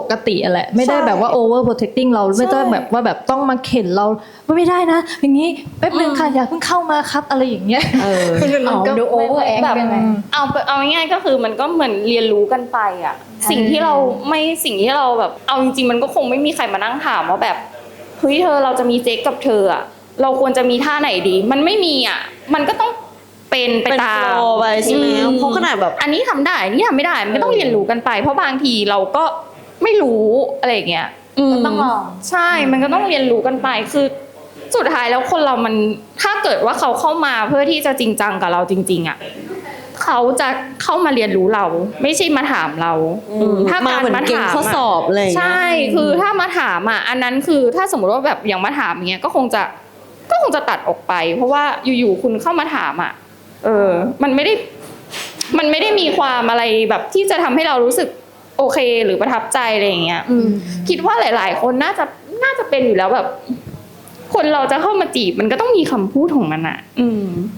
กติแหละไม่ได้แบบว่า over protecting เราไม่ต้องแบบว่าแบบต้องมาเข็นเราไม่ได้นะอย่างนี้แป๊บนึงค่ะอย่าเพิ่งเข้ามาครับอะไรอย่างเงี้ยมันก็ดู over act แบบไปไหมเอาง่ายๆก็คือมันก็เหมือนเรียนรู้กันไปอ่ะสิ่งที่เราแบบเอาจริงๆมันก็คงไม่มีใครมานั่งถามว่าแบบเฮ้ยเธอเราจะมีเซ็กกับเธออ่ะเราควรจะมีท่าไหนดีมันไม่มีอ่ะมันก็ต้องเป็นไปตามโฟลว์ไปใช่ไหมเพราะขนาดแบบอันนี้ทำได้อันนี้ทำไม่ได้มันก็ต้องเรียนรู้กันไป เพราะบางทีเราก็ไม่รู้อะไรอย่างเงี้ยก็ต้องลองใช่มันก็ต้องเรียนรู้กันไปคือสุดท้ายแล้วคนเรามันถ้าเกิดว่าเขาเข้ามาเพื่อที่จะจริงจังกับเราจริงๆอ่ะเขาจะเข้ามาเรียนรู้เราไม่ใช่มาถามเราถ้ามาการเหมือนมาเก่งถามข้อสอบอะไรอย่างเงี้ยใช่คือถ้ามาถามอ่ะอันนั้นคือถ้าสมมติว่าแบบอย่างมาถามอย่างเงี้ยก็คงจะตัดออกไป เพราะว่าอยู่ๆคุณเข้ามาถามอ่ะมันไม่ได้มีความอะไรแบบที่จะทำให้เรารู้สึกโอเคหรือประทับใจอะไรอย่างเงี้ยคิดว่าหลายๆคนน่าจะเป็นอยู่แล้วแบบ คนเราจะเข้ามาจีบมันก็ต้องมีคำพูดของมันอ่ะ